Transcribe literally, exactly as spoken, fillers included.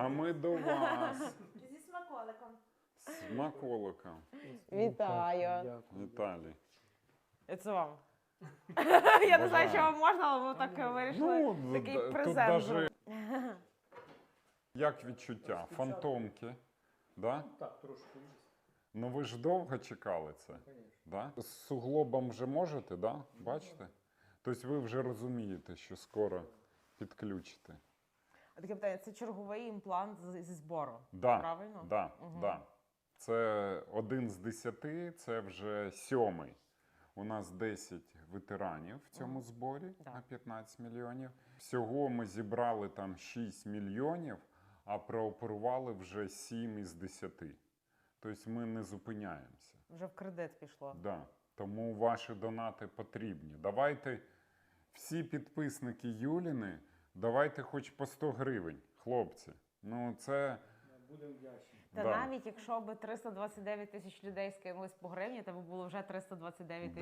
А ми до вас. Зі смаколиком. Смаколиком. Вітаю. Віталій. Це вам. Я не знаю, що вам можна, але ви так вирішили. Ну, Такий д- тут презент даже... Як відчуття? Фантомки. Да? Так, трошки. Ну ви ж довго чекали це. Да? З суглобом вже можете, да? Бачите? Тобто ви вже розумієте, що скоро підключите. А таке питання, це черговий імплант з- зі збору, Да, правильно? да, Мгм. да. Це один з десяти, це вже сьомий. У нас десять ветеранів в цьому зборі Да. на п'ятнадцять мільйонів. Всього ми зібрали там шість мільйонів, а прооперували вже сім із десяти. Тобто ми не зупиняємося. Вже в кредит пішло. Да. Тому ваші донати потрібні. Давайте, всі підписники Юліни, давайте хоч по сто гривень, хлопці. Ну це... Будемо вдячні. Та да. навіть якщо б триста двадцять дев'ять тисяч людей скинулись по гривні, то б було вже триста двадцять дев'ять тисяч.